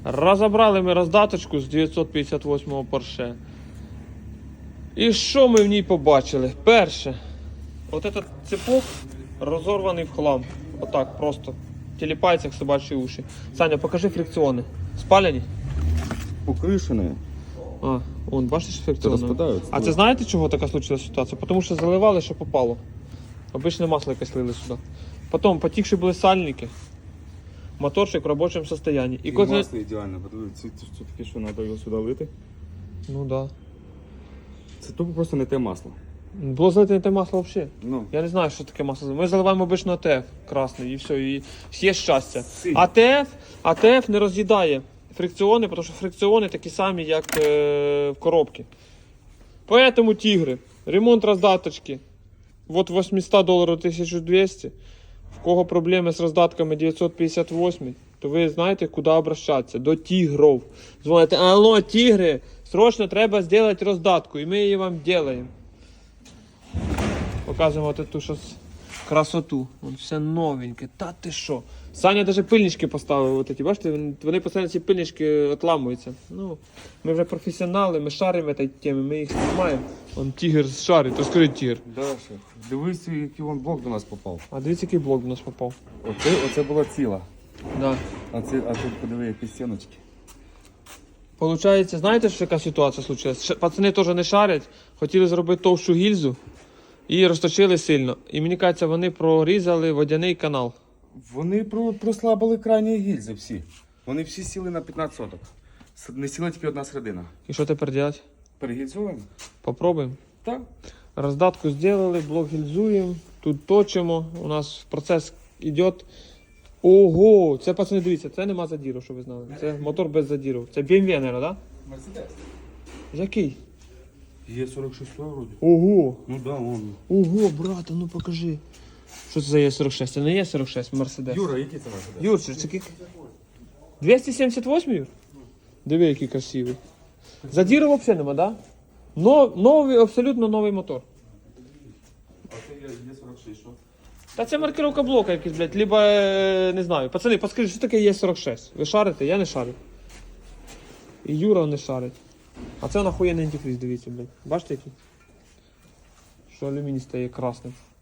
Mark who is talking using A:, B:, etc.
A: Розібрали ми роздаточку з 958-го Porsche. І що ми в ній побачили? Перше, от этот цепок розорваний в хлам. Отак просто. Тіліпається, як собачі уші. Саня, покажи фрикціони. Спалені?
B: Покришені.
A: А, вон, бачиш фрикціони?
B: Розпадаються.
A: А це знаєте, чого така случилася ситуація? Тому що заливали, що попало. Обичне масло якесь лили сюди. Потім потікші були сальники. Моторчик в робочому стані.
B: І масло ідеально, подивіться, це таке, що треба його сюди лити.
A: Ну да.
B: Це тупо просто не те масло.
A: Було залити не те масло взагалі.
B: Ну.
A: Я не знаю, що таке масло. Ми заливаємо обично АТФ красний і все, і є щастя.
B: Синій.
A: АТФ не роз'їдає фрикціони, тому що фрикціони такі самі, як в коробці. Поэтому тігри. Ремонт роздаточки. От $800 1200. В кого проблеми з роздатками 958, то ви знаєте, куди обращатися. До тігров. Дзвоните, алло, тігри, срочно треба зробити роздатку, і ми її вам робимо. Показуємо от ту щось красоту. Вон все новеньке. Та ти що? Саня навіть пильнички поставив. От ці. Бачите, вони постійно ці пильнички отламуються. Ну, ми вже професіонали, ми шаримо в цій темі, ми їх знімаємо. Вон тігр шарить, розкажи тігр.
B: Да, шеф. Дивись, який вон блок до нас попав.
A: А дивіться, який блок до нас попав.
B: Оце була ціла.
A: Да.
B: А тут подиви, які стіночки.
A: Получається, знаєте, що яка ситуація случилась? Пацани теж не шарять, хотіли зробити товщу гільзу і розточили сильно. І мені кажеться, вони прорізали водяний канал.
B: Вони прослабили крайні гільзи всі. Вони всі сіли на 15 соток. Не сіла тільки одна середина.
A: І що тепер робити?
B: Перегільзуємо?
A: Попробуємо.
B: Так.
A: Роздатку зробили, блок гільзуємо, тут точимо, у нас процес йде. Ого, це, пацани, дивіться, це нема задіру, щоб ви знали. Це мотор без задіру. Це BMW, мабуть, так?
B: Мерседес.
A: Який?
B: Є 46 вроді.
A: Ого,
B: Ну да, вон.
A: ого, брата, ну покажи. Що це за Е46? Це не Е46, Мерседес.
B: Юра, який це Мерседес?
A: Юрчик, це скільки? 278, Юр? Диви, який красивий. Задіру взагалі нема, так? Да? Новий, абсолютно новий мотор.
B: А це є 46, що?
A: Та це маркировка блока якийсь, блядь, либо, не знаю. Пацани, подскажіть, що таке Е46? Ви шарите? Я не шарю. І Юра не шарить. А це нахуєнний антифриз, дивіться, блядь. Бачите який? Що алюміній стає красним.